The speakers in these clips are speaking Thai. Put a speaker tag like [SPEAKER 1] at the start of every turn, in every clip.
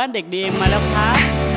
[SPEAKER 1] บ้านเด็กดีมาแล้วครับ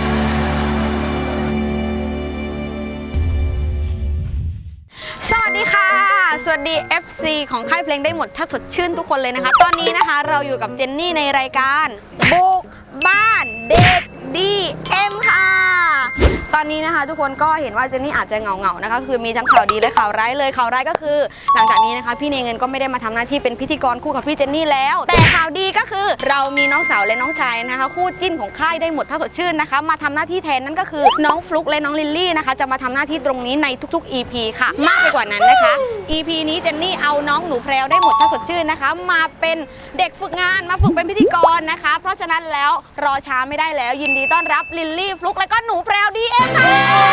[SPEAKER 2] สวัสดีค่ะสวัสดี FC ของค่ายเพลงได้หมดถ้าสดชื่นทุกคนเลยนะคะตอนนี้นะคะเราอยู่กับเจนนี่ในรายการบุกบ้านเด็กดีเอ็มค่ะตอนนี้นะคะทุกคนก็เห็นว่าเจนนี่อาจจะเหงาๆนะคะคือมีทั้งข่าวดีและข่าวร้ายเลยข่าวร้ายก็คือหลังจากนี้นะคะพี่เนเงินก็ไม่ได้มาทำหน้าที่เป็นพิธีกรคู่กับพี่เจนนี่แล้วแต่ข่าวดีก็คือเรามีน้องสาวและน้องชายนะคะคู่จิ้นของค่ายได้หมดถ้าสดชื่นนะคะมาทำหน้าที่แทนนั่นก็คือน้องฟลุ๊กและน้องลิลลี่นะคะจะมาทำหน้าที่ตรงนี้ในทุกๆ EP ค่ะมากไปกว่านั้นนะคะ EP นี้เจนนี่เอาน้องหนูแพรวได้หมดถ้าสดชื่นนะคะมาเป็นเด็กฝึกงานมาฝึกเป็นพิธีกรนะคะเพราะฉะนั้นแล้วรอช้าไม่ได้แล้วยินดีต้อนรับลิลลี่ฟลุ๊กและก็หนูแพรวดีเอ็มค่ะ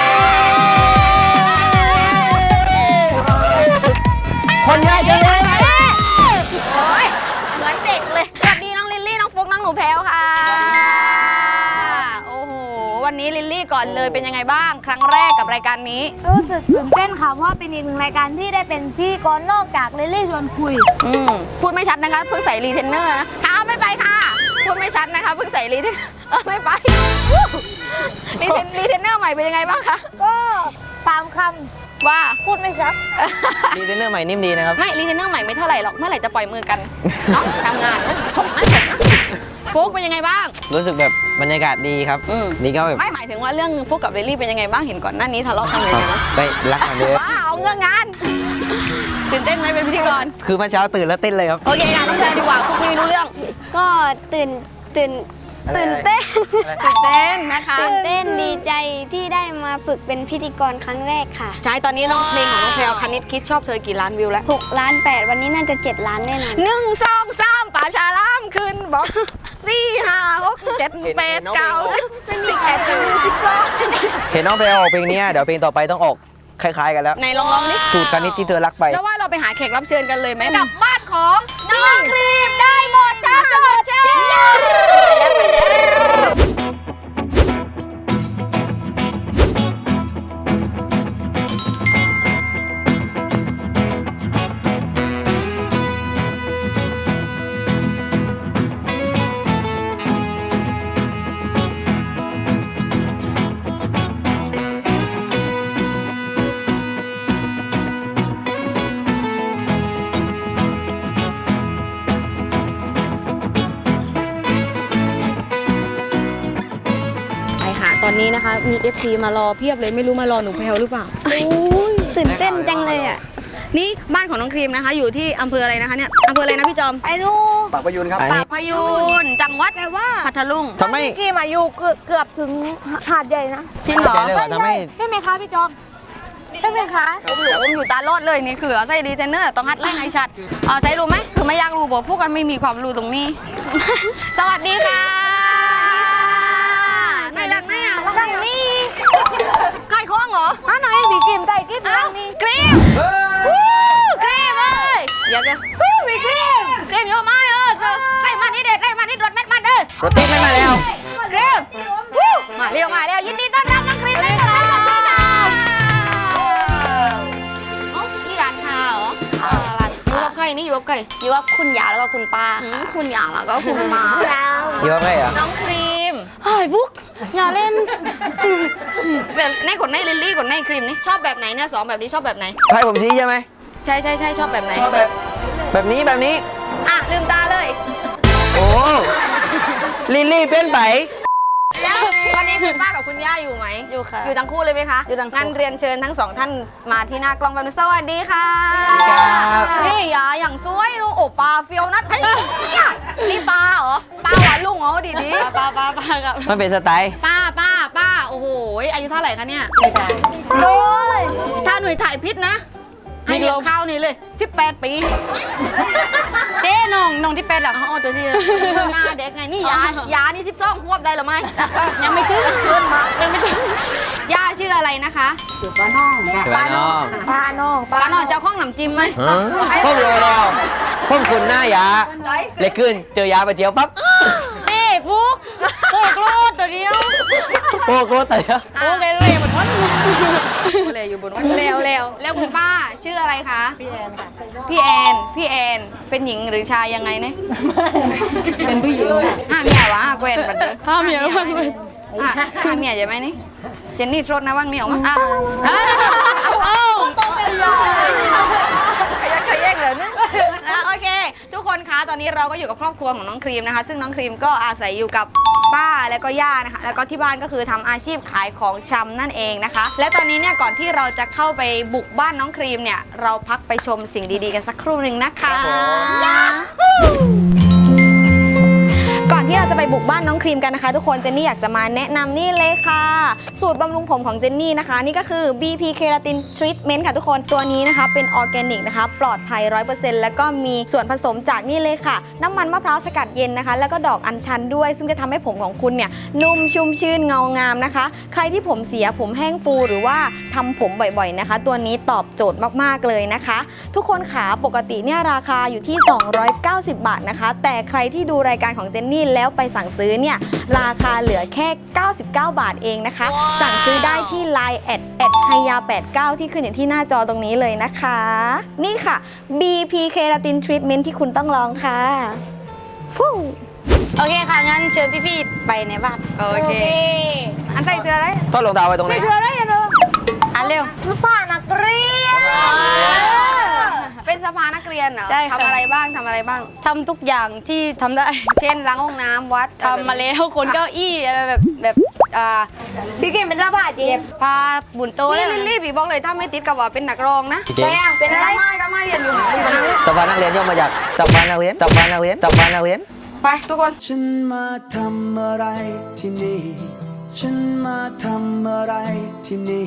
[SPEAKER 3] คนใหญ่จังเลย
[SPEAKER 2] โอ้ยเหมือนเด็กเลยสวัสดีน้องลิลลี่น้องฟลุ๊กน้องหนูแพรวค่ะโอ้โหวันนี้ลิลลี่ก่อนเลยเป็นยังไงบ้างครั้งแรกกับรายการนี้
[SPEAKER 4] รู้สึกตื่นเต้นค่ะเพราะว่าเป็นอีกหนึ่งรายการที่ได้เป็นพิธีกรนอกจากลิลลี่ชวนคุย
[SPEAKER 2] พูดไม่ชัดนะคะเพิ่งใส่รีเทนเนอร์นะค่ะไม่ไปค่ะพูดไม่ชัดนะคะเพิ่งใส่รีเทนไม่ไปรีเทนเนอร์ใหม่เป็นยังไงบ้างคะ
[SPEAKER 4] ก็ตามค
[SPEAKER 2] ว่า
[SPEAKER 4] ำพูดไม่ชัด
[SPEAKER 3] ดีไซเนอร์ใหม่นิ่มดีนะครับ
[SPEAKER 2] ไม่รีเทนเนอร์ใหม่ไม่เท่าไหร่หรอกเมื่อไหร่จะปล่อยมือกันเนาะทำงานชมนะฟุกเป็นยังไงบ้าง
[SPEAKER 3] รู้สึกแบบบรรยากาศดีครับนี่ก็แบบ
[SPEAKER 2] ไม่หมายถึงว่าเรื่องฟุกกับลิลลี่เป็นยังไงบ้างเห็นก่อนหน้านี้ทะเลาะกันเลยนะ
[SPEAKER 3] ไปรักกันเลย
[SPEAKER 2] ว้าวเงื่อนงานตื่นเต้นไหมเป็นพิธีกร
[SPEAKER 3] คือเมื่อเช้าตื่นแล้วเต้นเลยครับ
[SPEAKER 2] โอเคค่ะน้องแพรดีกว่าฟุกไม่รู้เรื่อง
[SPEAKER 4] ก็ตื่นเต้น
[SPEAKER 2] ตื่นเต้นนะคะ
[SPEAKER 4] ตื่นเต้นดีใจที่ได้มาฝึกเป็นพิธีกรครั้งแรกค่ะ
[SPEAKER 2] ใช่ตอนนี้น้องเพลงของน้องแพรวคณิตคิดชอบเธอกี่ล้านวิวแล้ว
[SPEAKER 4] 6 ล้าน 8วันนี้น่าจะ7 ล้านแน่นอน
[SPEAKER 2] 1 2 3ป่าชาล่ามขึ้นบอก4 5 6 7 8 9 10 11 12
[SPEAKER 3] เห็นน้องเพลงออกเพลงนี้เดี๋ยวเพลงต่อไปต้องออกคล้ายๆกันแล้ว
[SPEAKER 2] ในลองนี่
[SPEAKER 3] สูตรคณิตที่เธอรักไป
[SPEAKER 2] แล้วว่าเราไปหาแขกรับเชิญกันเลยไหมกับบ้านของน้องครีมได้หมดถ้าสดชื่นตอนนี้นะคะมี FC มารอเพียบเลยไม่รู้มารอหนูแพลวหรือเปล่า
[SPEAKER 4] ตื่นเต้นจังเลยอ่ะ
[SPEAKER 2] นี่บ้านของน้องครีมนะคะอยู่ที่อำเภออะไรนะคะเนี่ยอำเภออะไรนะพี่จอม
[SPEAKER 4] ไอ้ลูก
[SPEAKER 3] ปากพยูนครับ
[SPEAKER 2] ปากพยูนจังหวัดพัทลุง
[SPEAKER 3] ทำไม
[SPEAKER 4] กี่มาอยู่เกือบถึงหาดใหญ่นะ
[SPEAKER 2] จริงเหรอ
[SPEAKER 3] ทำไม
[SPEAKER 4] ใช่ไหมคะพี่จอมใช่ไหมคะ
[SPEAKER 2] ผมอยู่ตาโลดเลยนี่คือใส่ดีเทนเนอร์ต้องฮัดไล่ไอชัดใส่รู้ไหมคือไม่อยากรู้บอกพวกกันไม่มีความรู้ตรงนี้ สวัสดีค่ะไหนหลังไหนอ่ะหลังนี่ใครคล้องเหรอ
[SPEAKER 4] หน่อยบีกรีมใจกรีมหลังนี่
[SPEAKER 2] กรีมกรีมเลยเดี๋ยว
[SPEAKER 4] บีกรีม
[SPEAKER 2] เยอะมากใส่มันนี่เด็ดใส่มันนี่รถเม็ดมัน
[SPEAKER 3] รถติดไม่มาแล้ว
[SPEAKER 2] กรีมมาเร็วยินดีต้อนรับน้องกรีมเลยค่ะนี่ร้านชาเหรอร้านอยู่กับใครนี่อยู่กับใคร
[SPEAKER 4] อยู่กับคุณยาแล้วก็คุณป้าค่ะ
[SPEAKER 2] คุณยาแล้วก็คุณป้า
[SPEAKER 3] อยู่กับใครอ่ะ
[SPEAKER 2] น้องครีมเฮ้ยฟุกอย่าเล่นแบบในกดในลิลลี่กดในครีมนี่ชอบแบบไหนเนี่ย2แบบนี้ชอบแบบไหน
[SPEAKER 3] ให้ผมชี้ใช่ไหม
[SPEAKER 2] ใช่ชอบแบบไหน
[SPEAKER 3] ชอบแบบนี้
[SPEAKER 2] อ่ะลืมตาเลย
[SPEAKER 3] โอ้ลิลลี่เป็นไป
[SPEAKER 2] แล้ววันนี้คุณป้ากับคุณย่าอยู่ไหม
[SPEAKER 4] อยู่ค่ะ
[SPEAKER 2] อยู่ทั้งคู่เลยไหมคะ
[SPEAKER 4] อยู่ทั้งคู่
[SPEAKER 2] งั้นเรียนเชิญทั้ง2ท่านมาที่หน้ากล้องแบบนี้สวัสดีค่ะนี่ยาอย่างสวยลูกโอ้ปลาเฟียวนัดนี่ปลาเหรอปลาหวานลุงเหรอดีปลากับ
[SPEAKER 3] มันเป็นสไตล์
[SPEAKER 2] ป้าโอ้โหอายุเท่าไหร่คะเนี่ย
[SPEAKER 4] โอ้ย
[SPEAKER 2] ถ้าหน่วยถ่ายพิษนะให้เลี้ยงข้าวนี่เลย18 ปีเจ๊น้องที่เป็นหรอเขาตัวที่หน้าเด็กไงนี่ยานี่12 ควบได้หรือไม่ยังไม่ถึงย่าชื่ออะไรนะคะ
[SPEAKER 4] ป้าน้อง
[SPEAKER 2] เจ้าข้องหนำจิ้มไหม
[SPEAKER 3] พ่อรู้แล้วพ่อคุณหน้ายาเลยขึ้นเจอยาไปเที่ยวปั๊บ
[SPEAKER 2] นี่ฟุกโคตรตัวเดียว
[SPEAKER 3] โคตรแต่
[SPEAKER 2] โอเคเลยหมดทั้งเลยอยู่บนวัด
[SPEAKER 4] เร็ว
[SPEAKER 2] แล้วคุณป้าชื่ออะไรคะ
[SPEAKER 1] พี่แอนค่ะ
[SPEAKER 2] พี่แอนเป็นหญิงหรือชายยังไงเนี่ย
[SPEAKER 1] เป็นผู้หญิงค่ะ
[SPEAKER 2] ห้าเมียวะแกวนบัดนี้
[SPEAKER 4] ห้าเมียบ้างเลย
[SPEAKER 2] ห้าเมียใช่ไหมนี่เจนนี่โทษนะว่างนี่ออกมาอ่ะขยันเลยนะโอเค ทุกคนคะตอนนี้เราก็อยู่กับครอบครัวของน้องครีมนะคะ ซึ่งน้องครีมก็อาศัยอยู่กับป้าแล้วก็ย่านะคะ แล้วก็ที่บ้านก็คือทำอาชีพขายของชำนั่นเองนะคะ และตอนนี้เนี่ยก่อนที่เราจะเข้าไปบุกบ้านน้องครีมเนี่ยเราพักไปชมสิ่งดีๆกันสักครู่หนึ่งนะคะ ก่อนที่เราจะไปบุกบ้านน้องครีมกันนะคะ ทุกคนเจนนี่อยากจะมาแนะนำนี่เลยค่ะ สูตรบำรุงผมของเจนนี่นะคะ นี่ก็คือ BP Keratin Treatment ค่ะทุกคนตัวนี้นะคะเป็นออร์แกนิกนะคะปลอดภัย 100% แล้วก็มีส่วนผสมจากนี่เลยค่ะ น้ำมันมะพร้าวสกัดเย็นนะคะ แล้วก็ดอกอัญชันด้วย ซึ่งจะทำให้ผมของคุณเนี่ยนุ่มชุ่มชื่นเงางามนะคะ ใครที่ผมเสียผมแห้งฟูหรือว่าทำผมบ่อยๆนะคะ ตัวนี้ตอบโจทย์มากๆเลยนะคะ ทุกคนขาปกติเนี่ยราคาอยู่ที่ 290 บาทนะคะ แต่ใครที่ดูรายการของเจนนี่แล้วไปสั่งซื้อเนี่ยราคาเหลือแค่ 99 บาทเองนะคะ สั่งซื้อได้ที่ Line แอดไฮยา89ที่ขึ้นอยู่ที่หน้าจอตรงนี้เลยนะคะ นี่ค่ะ BP Keratin Treatment ที่คุณต้องลองค่ะฟู้โอเคค่ะ งั้นเชิญพี่ๆไปในบ้านโอเค อันใส่เสื้ออะไร
[SPEAKER 3] ทอดรองเท้าไว้ตรงไหน
[SPEAKER 2] เสื้ออะไรอ่ะเธออันเร็ว
[SPEAKER 4] เสื้อผ้านักเรียน
[SPEAKER 2] เป็นสภานักเรียนเหรอ
[SPEAKER 4] ใช่ค่ะ
[SPEAKER 2] ทำอะไรบ้างทำอะไรบ้าง
[SPEAKER 4] ทำทุกอย่างที่ทำได้
[SPEAKER 2] เช่นล้างห้องน้ำวัด
[SPEAKER 4] ทำมาแล้วคนเก้าอี้อะไรแบบพี่เก่งเป็นเสื้อผ้าเจ็บพาบุญโต
[SPEAKER 2] โอ้
[SPEAKER 4] เลย
[SPEAKER 2] รีบๆพี่บอกเลยถ้าไม่ติดกับว่าเป็นนักร้องนะ
[SPEAKER 3] เจ๊
[SPEAKER 4] เป็นอะไร
[SPEAKER 2] ก็ไม่เรียนอยู่ที่บ้าน
[SPEAKER 3] สภานักเรียนย่อมาจากสภานักเรียน
[SPEAKER 2] ไปทุกคน
[SPEAKER 5] ฉันมาทำอะไรที่นี่ ฉันมาทำอะไรที่นี่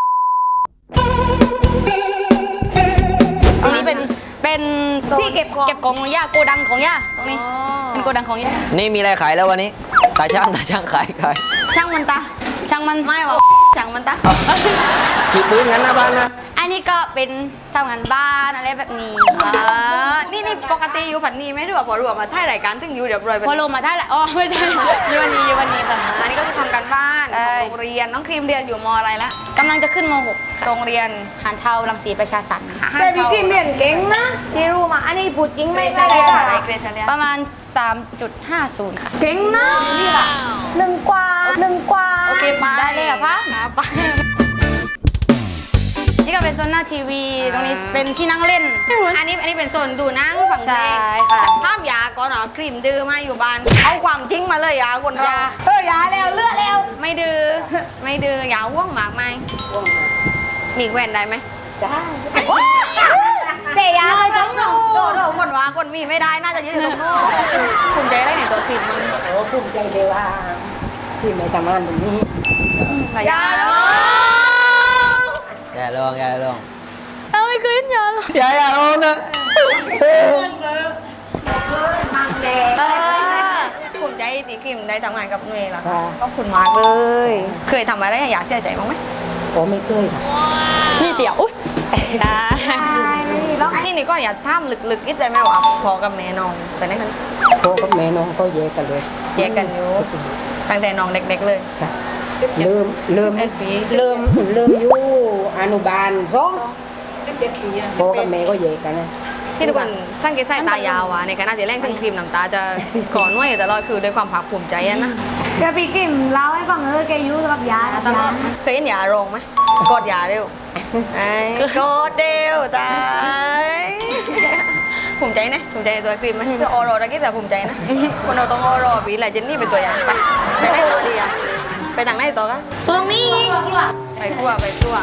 [SPEAKER 4] ตรงนี้เป็นโซน
[SPEAKER 2] ที่เก็บของ
[SPEAKER 4] เก็บของของย่าโกดังของย่าตรงนี้เป็นโกดังของย่า
[SPEAKER 3] นี่มีอะไรขายแล้ววันนี้ตาช่างขาย
[SPEAKER 2] ช่างมันตา
[SPEAKER 4] ช่างมัน
[SPEAKER 2] ไม่หรอกช่างมันตา
[SPEAKER 3] ขี่ปืนงั้นหน้าบ้านนะ
[SPEAKER 4] อันนี้ก็เป็นทำงานบ้านอะไรแบบนี้
[SPEAKER 2] นี่ปกติอยู่ผันนี้ไหมหรือว่าพอรวมมาถ่ายรายการถึงอยู่เดี๋ยวรวยไป
[SPEAKER 4] พอลงมาได้แหละอ๋อไม่ใช่อยู่วันนี้ค่ะ
[SPEAKER 2] อันนี้ก็คือทำการบ้าน
[SPEAKER 4] ใช่
[SPEAKER 2] ของโรงเรียนน้องครีมเรียนอยู่มอะไรละ
[SPEAKER 4] กำลังจะขึ้นม
[SPEAKER 2] โรงเรียน
[SPEAKER 4] .6 หานเทารังสีประชาสรรค์ค่ะ
[SPEAKER 2] แต่พี่ครีมเรียนเก่งนะ
[SPEAKER 1] ที่รู้มา อันนี้พูดจริง
[SPEAKER 2] ไม่
[SPEAKER 1] ไม่
[SPEAKER 2] ใช่
[SPEAKER 1] ใช่
[SPEAKER 2] เรียน
[SPEAKER 1] ค่ะ
[SPEAKER 2] อะไรเกรดเฉลี่ย
[SPEAKER 4] ประมาณ 3.50 ค่ะ
[SPEAKER 1] เก่งนะนี่ค่ะหนึ่งกว่า
[SPEAKER 2] โอเคไป
[SPEAKER 4] ได้เลยเหรอคะ
[SPEAKER 2] ไป
[SPEAKER 4] นี่ก็เป็นโซนหน้าทีวี ตรงนี้เป็นที่นั่งเล่น
[SPEAKER 2] อันนี้เป็นโซนดูหนังฝั่ง
[SPEAKER 4] ใช่
[SPEAKER 2] เพลง
[SPEAKER 4] ค่ะ
[SPEAKER 2] ห้ามยาก่อนเหรอครีมดื้อมาอยู่บ้าน เอาความจริงมาเลยยาคนยา
[SPEAKER 1] ยาแล้วเลือดแล้ว
[SPEAKER 2] ไม่ดื้อไม่ดื้อยาว่วงมากไหมมีแหวนได้ไหม
[SPEAKER 1] ได้
[SPEAKER 4] เตะยาเลยจังหนู
[SPEAKER 2] โดคนว่าคนมีไม่ได้น่าจะยืนอยู่ตรงโน้นภูมิใจได้ในตัวครีมมั้ง
[SPEAKER 1] โอ้ภูมิใจเลยว่าที่ไม่ทำงานตรงนี้
[SPEAKER 2] ยา
[SPEAKER 3] อย่าลอง
[SPEAKER 4] เอาไม่เคยเห็นยาหรอ
[SPEAKER 3] อย่าลองนะ
[SPEAKER 2] ภูมิใจที่ครีมได้ทำงานกับหน่วยล่ะ
[SPEAKER 1] ค่ะ
[SPEAKER 2] ขอบคุณมากเลย เคยทำอะไรให้ยาเสียใจบ้างไหม
[SPEAKER 1] โอ้ไม่เคยค่ะ
[SPEAKER 4] นี่เดี๋ยวอุ๊ย
[SPEAKER 2] นี่ก็อย่าท่ามลึกๆคิดใจไหมว่าพอกับแม่น้องไปไหนกัน
[SPEAKER 1] พ่อกับแม่น้องก็แยกกันเลย
[SPEAKER 2] แยกกันอยู่ตั้งแต่น้องเด็กๆเลย
[SPEAKER 1] ค่ะเริ่ม
[SPEAKER 2] 11 ปี
[SPEAKER 1] เริ่มอยู่อนุบาล2พ่อกับแม่ก็แยกกันนะ
[SPEAKER 2] ที่ทุกคนสังเกตสายตายาวอะในขณะที่แรกถึงครีมน้ำตาจะก่อนหน่วยอยู่ตลอดคือด้วยความภาคภูมิใจอะนะ
[SPEAKER 4] เดี๋ยวพี่กิมเล่าให้ฟังแกยุ่งกับยา
[SPEAKER 2] ตลอดเคยเห็นยาโรงไหมกดยาเร็วไอ้กดเร็วตายภูมิใจนะภูมิใจในตัวครีมไหมคือโอโรตะกี้แต่ภูมิใจนะคนเราต้องโอโรปีไหลเจนนี่เป็นตัวอย่างไปไหนต่อดีอะไปทางไหนต่อกัน
[SPEAKER 4] ตรงนี้
[SPEAKER 2] ไปครัวทุกคน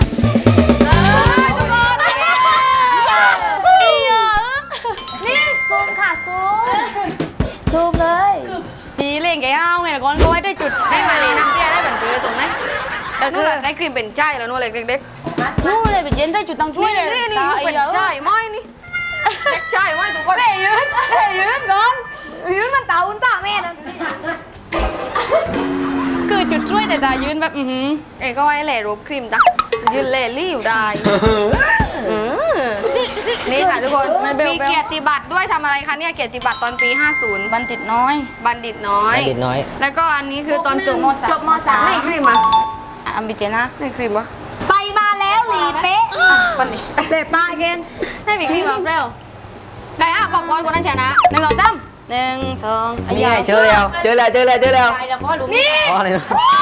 [SPEAKER 4] นี่ซูมค่ะซูมเลยดีเล่นแกเอาไงก่อนก็ไว้ได้จุด
[SPEAKER 2] ได้มาเลยน้ำเตี้ยได้แบบเรือตรงไหนนู่นแหละได้ครีมเป็นใจแล้วนู่นเลยเด็ก
[SPEAKER 4] นู่นเลยไปเย็นได้จุดตัง
[SPEAKER 2] ๆ
[SPEAKER 4] ช่วยเลย
[SPEAKER 2] นี่
[SPEAKER 4] ตา
[SPEAKER 2] เป็น
[SPEAKER 4] เอ๋
[SPEAKER 2] ใจไม่นี่เด็กใจไม่ทุกคนยืนก่อนยืนมันเต่าอุ่นตาแม่นั่น
[SPEAKER 4] คือจุดช่วยแต่ตายืนแบบ
[SPEAKER 2] เอ้ก็ไว้แหล่รูปครีมจ้ะยืนเล่รี่อยู่ได้นี่ค่ะทุกคนมีเกียรติบัตรด้วยทำอะไรคะเนี่ยเกียรติบัตรตอนปี 50
[SPEAKER 4] บันติดน้อย
[SPEAKER 2] บัณฑิตน้อย
[SPEAKER 3] เด็กน้อย
[SPEAKER 2] แล้วก็อันนี้คือตอนจบ
[SPEAKER 4] จบม .3
[SPEAKER 2] ไม่ครีมอ่ะ
[SPEAKER 4] อัมบิเจนะ
[SPEAKER 2] ไม่ครีมวะ
[SPEAKER 4] ไปมาแล้ว
[SPEAKER 2] เป๊ะคนนี้เป๊ะป้าเกนให้บิ๊กนี่มาเร็วไก่ปอกบอลคนนั้นชนะ1 2 3 1 2
[SPEAKER 3] นี่ไงเจอแล้ว
[SPEAKER 2] นี่
[SPEAKER 3] อ๋ออะไรนะ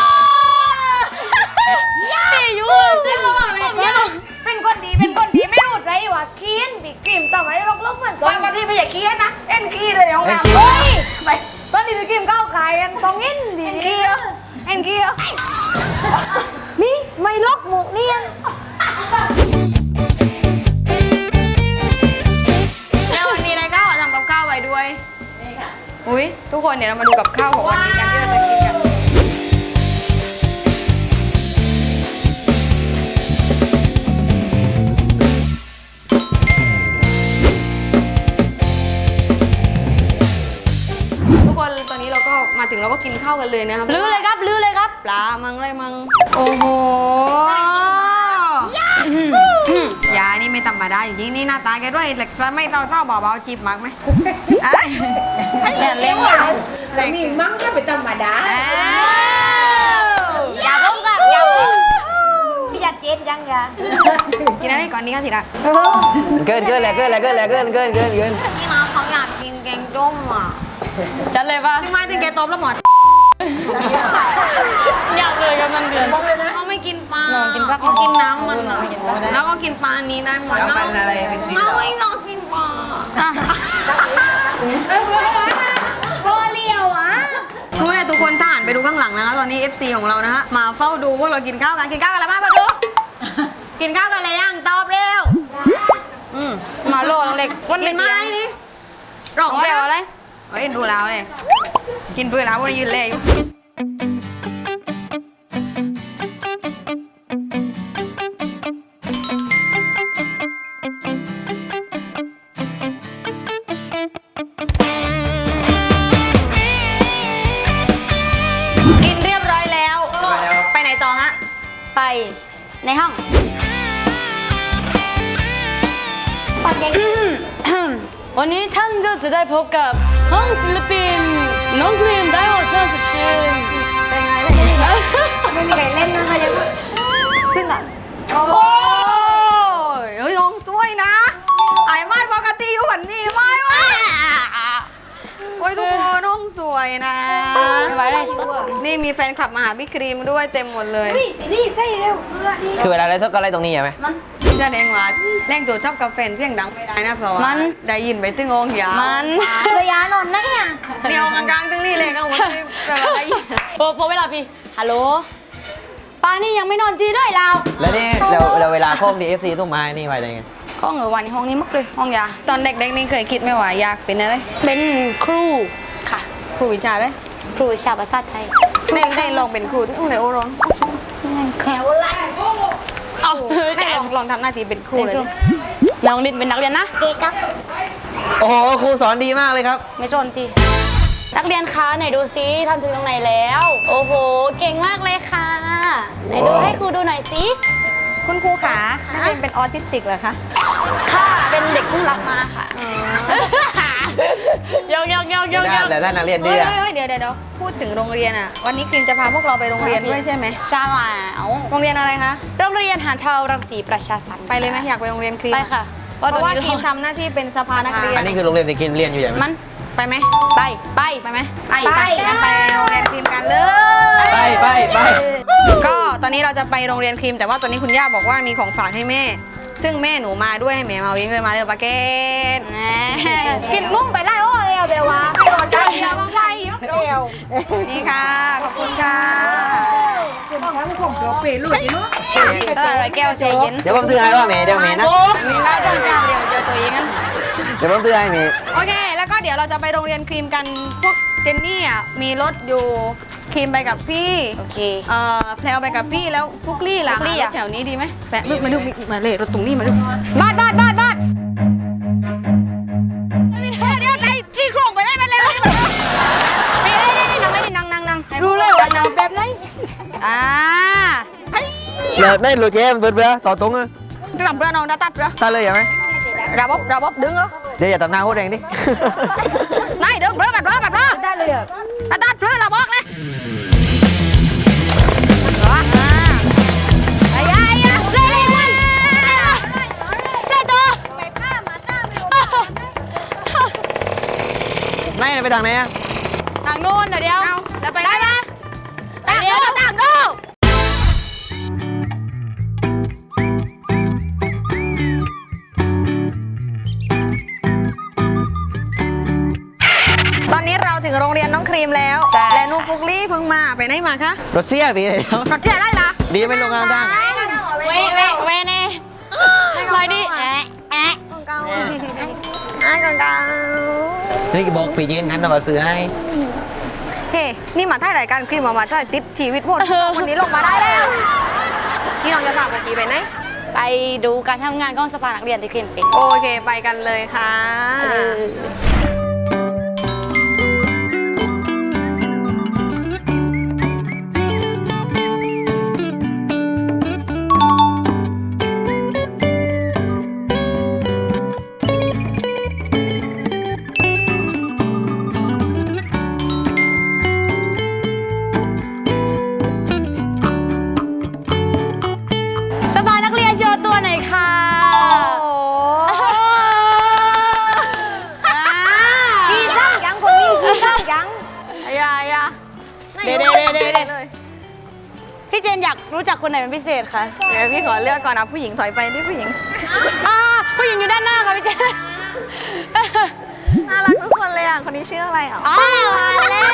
[SPEAKER 2] อยู่เส้นระหว่างอะไรเนี่ย
[SPEAKER 4] เป็นคนดีไม่รู้ไรวะเคียนบิ๊กครีมต่อมาได้ลกๆเหมือนกัน
[SPEAKER 2] บางทีไม่อยากเคี้ยนนะเอ็นขี้เลยเดี๋ยวน้ำ
[SPEAKER 4] เฮ้ยไปตอนนี้บิ๊กครีมเข้าขายกันตองอินดี
[SPEAKER 2] เอ็นขี้เหรอเอ็นขี้เหรอ
[SPEAKER 4] นี่ไม่ลกหมูเนียน
[SPEAKER 2] แล้ววันนี้นายก้าวทำกับข้าวไว้ด้วยนี่ค่ะอุ้ยทุกคนเดี๋ยวเรามาดูกับข้าวของวันนี้กันที่เราจะกินกันทุกคนตอนนี้เราก็มาถึงเราก็กินข้าวกันเลยนะครับลื้อเลยครับปลามังอะไรมังโอ้โหยายนี่ไม่ธรรมดาจริงๆนี่หน้าตาแกด้วยเหล็กไม่เท่าเบาๆจีบมักไหมเล่นเลย
[SPEAKER 1] แล้วมีมั้งก็ไปธรรมดา
[SPEAKER 2] อย่าพุ่งครับอย่าพุ่ง
[SPEAKER 4] พี่ยัดเย็นยังยา
[SPEAKER 2] กินอะไรก่อนดีคะทีละ
[SPEAKER 3] เกินเลยเกิน
[SPEAKER 2] พี่น้องเขาอยากกินแกงส้มอ่ะ
[SPEAKER 4] จัดเลยป่ะ
[SPEAKER 2] ถึงไม่ถึงแกต้มแล้วหมด
[SPEAKER 4] อยากเลยกับมันเดือน
[SPEAKER 2] เขาไม่กินปลา
[SPEAKER 4] กินปลา
[SPEAKER 2] เขากินน้ำมันอะแล้วก็กินปลานี้ได้หมด
[SPEAKER 3] น้ำมันอะไรเป็นสี
[SPEAKER 2] เขาไม่ต้องกินปลา
[SPEAKER 4] โคเลียวอ่ะ
[SPEAKER 2] ทุกคนทุกคนทหารไปดูข้างหลังนะคะตอนนี้ FC ของเรานะฮะมาเฝ้าดูพวกเรากินข้าวกันแล้วมาดูกินข้าวกันเลยยังตอบเร็วมาโลน้องเล็กกินไหมนี่ร้องเร็วอะไรเฮ้ยดูแล้วเลยกินด้วยแล้ววันนี้ยืนเลยกินเรียบร้อยแล้วไปไหนต่อฮะไปในห้อง
[SPEAKER 4] วันนี้ท่านก็จะได้พบกับห้องศิลปินน้องครีมได้หมดเชิญสุดชื่นเป็นไงไม่มีใครเล่นนะคะยัง
[SPEAKER 2] ขึ้นก่อนโอ้ยเฮ้ยน้องสวยนะไอ้ไม่ปกติอยู่แบบนี้ไม่วะโอ้ยทุกคนน้องสวยนะ
[SPEAKER 4] ไม่ไหวเลยสด
[SPEAKER 2] นี่มีแฟนคลับมาหาพี่ครีมด้วยเต็มหมดเลย
[SPEAKER 4] นี่ใช่เร็วเพื่อนี่
[SPEAKER 3] คือเวลาอะไรสักอะไรตรงนี้ใช่ไหม
[SPEAKER 2] มันจะแดงว่าแรงโจดชอบกับแฟนเสียงดังไม่ได้นะเพราะว่าได้ยินไปตึงองยาว
[SPEAKER 4] มันระยะนอนนะเนี่ย
[SPEAKER 2] เดียวกลางๆตึงนี่เลยก็วันที่แบบว่าได้ยิน
[SPEAKER 4] โปเวลาพี่ฮัลโหลป้านี่ยังไม่นอนจีด้วยเรา
[SPEAKER 3] แล้วนี่เราเวลาโค้งดี FC ส่งมานี่ไว้ได้ไง
[SPEAKER 2] ก็เหงอวันในห้องนี้มักเลยห้องยาตอนเด็กๆนี่เคยคิดไหมว่าอยากเป็นอะไร
[SPEAKER 4] เป็นครูค่ะ
[SPEAKER 2] ครูวิชาเลย
[SPEAKER 4] ครูวิชาภาษาไทย
[SPEAKER 2] ได้ลองเป็นครูที่ต้องเลยโอ้ร้อง
[SPEAKER 4] แขวละเอา
[SPEAKER 2] ได้ลองทำหน้าที่เป็นครูเลย
[SPEAKER 4] น้องลินเป็นนักเรียนนะเด็กครับ
[SPEAKER 3] โอ้โหครูสอนดีมากเลยครับ
[SPEAKER 4] ไม่ชนทีนักเรียนคะไหนดูซิทำถึงตรงไหนแล้ว โอ้โหเก่งมากเลยค่ะไหนดูให้ครูดูหน่อยสิ
[SPEAKER 2] คุณครูขานักเรียนเป็นออทิสติกเหรอคะ
[SPEAKER 4] ค่ะเป็นเด็กเพิ่งรับมาค่ะยก
[SPEAKER 3] แต่ถ้านักเรียนดื้
[SPEAKER 2] เฮ้
[SPEAKER 3] อย
[SPEAKER 2] เดี๋ยวพูดถึงโรงเรียนอ่ะวันนี้ครีมจะพาพวกเราไปโรงเรียนด้วยใช่ไหม
[SPEAKER 4] ใช่แล้ว
[SPEAKER 2] โรงเรียนอะไรคะ
[SPEAKER 4] โรงเรียนหาดเทารังสีประชาสัน
[SPEAKER 2] ไปเลยไหมอยากไปโรงเรียนครีม
[SPEAKER 4] ไปค่ะ
[SPEAKER 2] เพราะว่าครีมทำหน้าที่เป็นสภานักเรียน
[SPEAKER 3] อันนี้คือโรงเรียนที่กินเรียนอยู่ใช่ไหม
[SPEAKER 4] มัน
[SPEAKER 2] ไปไหม
[SPEAKER 4] ไป
[SPEAKER 2] ไหมไปงั้นไปโรงเรียนครีมกันเลย
[SPEAKER 3] ไป
[SPEAKER 2] ก็ตอนนี้เราจะไปโรงเรียนครีมแต่ว่าตอนนี้คุณย่าบอกว่ามีของฝากให้แม่ ซึ่งแม่หนูมาด้วยให้แม่มาวิ่งเลยมาเลยปาเกต
[SPEAKER 4] กินมุ่งไปไล่โอ้เร็วเดี๋ยววะ
[SPEAKER 2] ไม่รอใจเดียวไปเดียวนี่ค่ะขอบคุณค่ะ
[SPEAKER 4] อะไรแก้วใจเย็น
[SPEAKER 3] เดี๋ยวผมซื้อให้ว่าเมย์เดี๋ยวเมย์นะ
[SPEAKER 2] มีบ้านต้องจ้างเดียวเจอตัวเองกัน
[SPEAKER 3] เดี๋ยวผมซื้อให้เมย์
[SPEAKER 2] โอเค แล้วก็เดี๋ยวเราจะไปโรงเรียนครีมกันพวกเจนนี่อ่ะมีรถอยู่ครีมไปกับพี่
[SPEAKER 4] โอเค
[SPEAKER 2] แพลวไปกับพี่แล้วฟุกลี่ล่ะ
[SPEAKER 4] ฟุกลี่อะ
[SPEAKER 2] แถวนี้ดีไหมแปะมาดูมาเลยรถตรงนี้มาดูบ้านเดี๋ยวไหนที่โครงไปได้ไหมเร็วนั่งรู้เลยว่านั่งแบบไหน
[SPEAKER 3] เราได้รถแย่มันเบื่อต่อตรงเลย
[SPEAKER 2] จะทำเพื่อน้องตัดเพื่อ
[SPEAKER 3] ตาเลยใช่ไหม
[SPEAKER 2] ระบบดึงเหรอ
[SPEAKER 3] เดี๋ยวอย่าตัดหน้าโคตรแรงดิ
[SPEAKER 2] ไม่ดึงเพื่อแบบได้เลยตัดเพื่อระบบเลยไอ้เลย
[SPEAKER 3] ไปทางไหนอะ
[SPEAKER 4] ทางโน้นเดี๋ยว
[SPEAKER 2] แล้วไป
[SPEAKER 4] ได้ปะ
[SPEAKER 2] เดี๋ยวต่างดูตอนนี้เราถึงโรงเรียนน้องครีมแล้ว และนุฟุกลี่เพิ่งมาไปไหนมาคะ
[SPEAKER 3] รถเสียพี่เลย
[SPEAKER 2] รถที่ไหนได้ละ
[SPEAKER 3] ดีไม่ลงงานทาง
[SPEAKER 4] เวเน่ลอยดิแอะแอะ
[SPEAKER 2] กองกอง
[SPEAKER 3] นี่บอกพี่เย็นกันนะว่าซื้อให้
[SPEAKER 2] เฮ้นี่มาถ่ายรายการครีมมาถ่ายติดชีวิตหมดวันนี้ลงมาได้แล้วนี่น้องจะพาไปกี่ไปไหน
[SPEAKER 4] ไปดูการทำงานของสภานักเรียนที่ครีมเป็น
[SPEAKER 2] โอเคไปกันเลยค่ะ
[SPEAKER 4] สภานักเรียนโชว์ตัวหน่อยค่ะ
[SPEAKER 2] พี่ตั้งยังคนนี้พี่ตั้งยังอย่า
[SPEAKER 4] เดี๋ยวพี่เจนอยากรู้จักคนไหนเป็นพิเศษคะ
[SPEAKER 2] เดี๋ยวพี่ขอเลือกก่อนนะผู้หญิงถอยไปนี่ผู้หญิง
[SPEAKER 4] ผู้หญิงอยู่ด้านหน้าค่ะพี่เจน
[SPEAKER 2] น่ารักทุกคนเลยอ่ะคนนี้ชื่ออะไรอ่ะ
[SPEAKER 4] มาแล้ว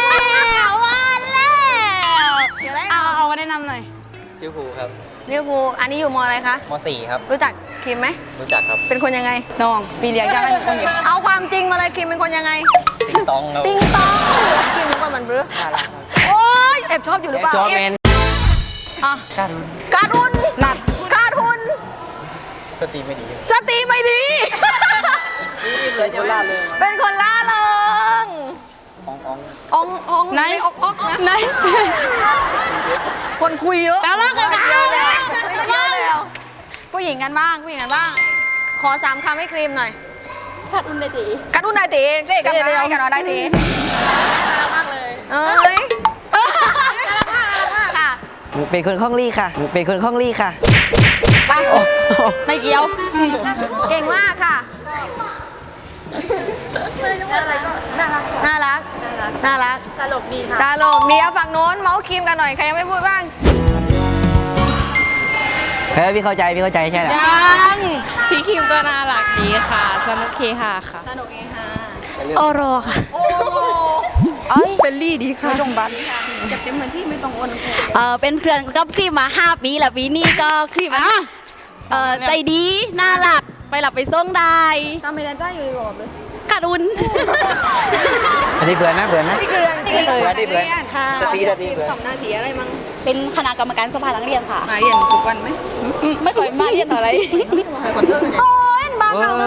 [SPEAKER 2] เดี๋ยวได้
[SPEAKER 4] เอามาแนะนำหน่อย
[SPEAKER 3] ชื่อภูครับ
[SPEAKER 2] ลิเวอร์พูลอันนี้อยู่มอะไรคะ
[SPEAKER 3] ม .4 ครับ
[SPEAKER 2] รู้จักครีมไหม
[SPEAKER 3] รู้จักครับ
[SPEAKER 2] เป็นคนยังไง
[SPEAKER 4] น้องปีเลี้ยงจะให้เป็นคนเดียว
[SPEAKER 2] เอาความจริงมาเลยครีมเป็นคนยังไง
[SPEAKER 3] ติ๊งตองครับ
[SPEAKER 2] ติงตองครีมรู้ก่อนมันบรือโอ๊ยแอบชอบอยู่หรือเปล่า
[SPEAKER 3] จอร์แมน
[SPEAKER 4] อ่ะ
[SPEAKER 2] การุนหนักการุน
[SPEAKER 3] สติไม่ดี
[SPEAKER 2] สติไม่ดี
[SPEAKER 3] เป็นคนล่าเลย
[SPEAKER 2] เป็นคนล่าเริง อง
[SPEAKER 4] ไหน
[SPEAKER 2] ออกนะ
[SPEAKER 4] ไหน
[SPEAKER 2] คนคุยเยอะ
[SPEAKER 4] แล้วเลิกกัน
[SPEAKER 2] เยอะแล้ว
[SPEAKER 4] แล้ว
[SPEAKER 2] เยอะแล้วผู้หญิงกันบ้างผู้หญิงกันบ้าง ขอ3 คำให้ครีมหน่อยกัดอุ่นได้ตีกัดอุ่นได้ตีเด็กกันได้กันได้ตีมากเลยเอ้ยค่ะ
[SPEAKER 3] เป็นคนคล่องลี่ค่ะ เป็นคนคล่องลี่ค่ะ
[SPEAKER 2] ไป
[SPEAKER 4] ไม่เกี่ยว
[SPEAKER 2] เก่งมากค่ะน่ารักตลกดีค่ะตลกดีเอาฝั่งโน้นเมาส์ครีมกันหน่อยใครยังไม่พูดบ้าง
[SPEAKER 3] เฮ้ยพี่เข้าใจใช่แหละ
[SPEAKER 4] ยัง
[SPEAKER 6] พี่คิมก็น่ารักดีค่ะ สนุกเฮฮาค่ะ
[SPEAKER 2] สนุกเองค่ะ
[SPEAKER 4] โอโรค่ะ
[SPEAKER 2] โอ้โห
[SPEAKER 6] เฟลลี่ดีค่ะ
[SPEAKER 4] จงบัต
[SPEAKER 2] จะเต็มเหมือนที่ไม่ต้องอ้วน
[SPEAKER 4] เป็นเพื่อนกับครีมมา 5 ปีแล้วปีนี้ก็ครีมใจดีน่ารักไปหลับไปส่งได้
[SPEAKER 2] ทำไมแดนจ้าอยู่ดีกว่าเลย
[SPEAKER 4] กัดอุ่น
[SPEAKER 3] อันนี้เบื่อนะ
[SPEAKER 2] นี่คือเรื่องจริง
[SPEAKER 3] เบื่อดิเบื่อสติเบื่อ
[SPEAKER 2] ทำหน้าที่อะไรมั่ง
[SPEAKER 4] เป็นคณะกรรมการสภานักเรียนค่ะ
[SPEAKER 2] มาเรียนทุกวันไหม
[SPEAKER 4] ไม่ค่อยมาเรียนอะไร
[SPEAKER 2] ไปก่อนเลิกกัน
[SPEAKER 3] โอ้ย
[SPEAKER 4] นอนบ้าง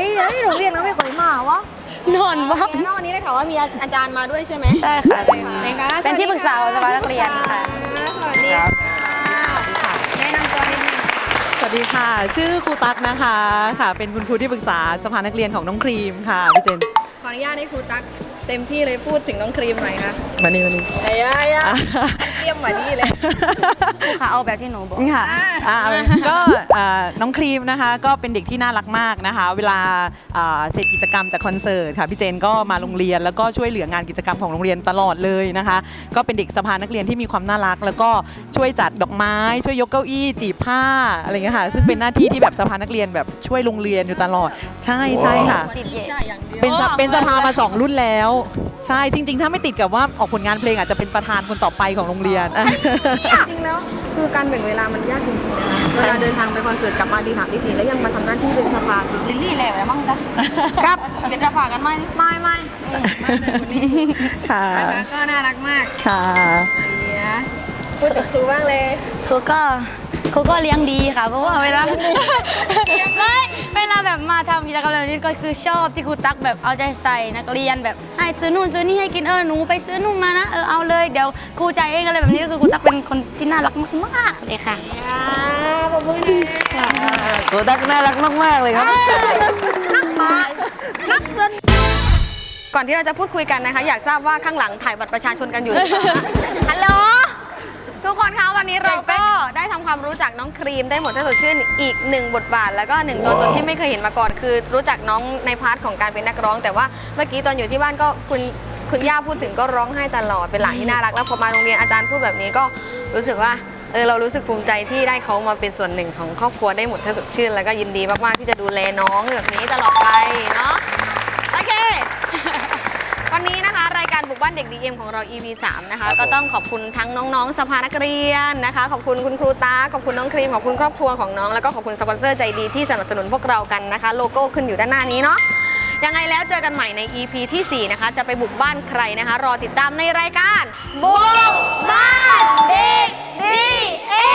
[SPEAKER 2] แล้ววันนี้ได้ข่าวว่ามีอาจารย์มาด้วยใช่ไหม
[SPEAKER 4] ใช่ค่ะ เป็นที่ปรึกษาสภานักเรียนค่ะ
[SPEAKER 2] สวัสดีค่ะแนะนำตัวนิดนึง
[SPEAKER 7] สวัสดีค่ะ ชื่อครูตั๊กนะคะค่ะ เป็นคุณครูที่ปรึกษาสภานักเรียนของน้องครีมค่ะพี่เจน
[SPEAKER 2] ขออนุญาตให้ครูตั๊กเต็มที่เลยพูดถึงน้องครีมหน่อยค่ะ
[SPEAKER 7] มานี่
[SPEAKER 2] ไอ้ยาเตรียมมาดีเลย
[SPEAKER 4] ครูคะเอาแบบที่หนูบอก
[SPEAKER 7] ค่ะก็น้องครีมนะคะ ก็เป็นเด็กที่น่ารักมากนะคะ เวลาเสร็จกิจกรรมจากคอนเสิร์ตค่ะพี่เจนก็มาโรงเรียนแล้วก็ช่วยเหลืองานกิจกรรมของโรงเรียนตลอดเลยนะคะ ก็เป็นเด็กสภานักเรียนที่มีความน่ารัก แล้วก็ช่วยจัดดอกไม้ ช่วยยกเก้าอี้จีบผ้าอะไรเงี้ยค่ะซึ่งเป็นหน้าที่ที่แบบสภานักเรียนแบบช่วยโรงเรียนอยู่ตลอดใช่ค่ะ
[SPEAKER 4] จิตเย่
[SPEAKER 7] เป็นสภามา2 รุ่นแล้ว ใช่จริง ๆ ถ้าไม่ติดกับว่าออกผลงานเพลงอาจจะเป็นประธานคนต่อไปของโรงเรียน
[SPEAKER 2] จริงแล้วคือการแบ่งเวลามันยากจริงๆนะคะเวลาเดินทางไปคอนเสิร์ตกลับมาตี 3 ตี 4แล้วยังมาทำหน้าที่เป็นสภาคือลิลลี่แหละอะไรบ้างจ๊ะครับเป็นสภากันไหมไม่
[SPEAKER 7] ค่ะ
[SPEAKER 2] นะคะก็น่ารักมาก
[SPEAKER 7] ค่ะ
[SPEAKER 2] พูดถึงครูบ้างเลย
[SPEAKER 4] ครูก็เลี้ยงดีค่ะ เพราะว่าเวลาเวลาแบบมาทำกิจกรรมแบบนี้ก็คือชอบที่ครูตั๊กแบบเอาใจใส่นักเรียนแบบให้ซื้อนู่นซื้อนี่ให้กินหนูไปซื้อนู่นมานะเอาเลยเดี๋ยวครูจ่ายเองอะไรแบบนี้ก็คือครูตั๊กเป็นคนที่น่ารักมากๆเลยค่ะ
[SPEAKER 2] ขอบคุณนะ
[SPEAKER 3] ตัวตั๊กน่ารักมากๆเลยครับ
[SPEAKER 2] ก่อนที่เราจะพูดคุยกันนะคะ อยากทราบว่าข้างหลังถ่ายบัตรประชาชนกันอยู่หรือเปล่าคะฮัลโหลทุกคนคะวันนี้เราก็ได้ทำความรู้จักน้องครีมได้หมดถ้าสดชื่นอีก1 บทบาทแล้วก็1 ตัวตนที่ไม่เคยเห็นมาก่อนคือรู้จักน้องในพาร์ทของการเป็นนักร้อง แต่ว่าเมื่อกี้ตอนอยู่ที่บ้านก็คุณคุณย่าพูดถึงก็ร้องไห้ตลอดเป็นหลานที่น่ารักแล้วพอมาโรงเรียนอาจารย์พูดแบบนี้ก็รู้สึกว่าเรารู้สึกภูมิใจที่ได้เขามาเป็นส่วนหนึ่งของครอบครัวได้หมดถ้าสดชื่นแล้วก็ยินดีมากๆที่จะดูแลน้องแบบนี้ตลอดไปเนาะโอเค วันนี้นะคะรายการบุกบ้านเด็ก DM ของเรา EP 3นะคะก็ต้องขอบคุณทั้งน้องๆสภานักเรียนนะคะขอบคุณคุณครูตาขอบคุณน้องครีมขอบคุณครอบครัวของน้องแล้วก็ขอบคุณสปอนเซอร์ใจดีที่สนับสนุนพวกเรากันนะคะโลโก้ขึ้นอยู่ด้านหน้านี้เนาะยังไงแล้วเจอกันใหม่ใน EP ที่ 4 นะคะจะไปบุกบ้านใครนะคะรอติดตามในรายการบุกบ้านเด็ก DM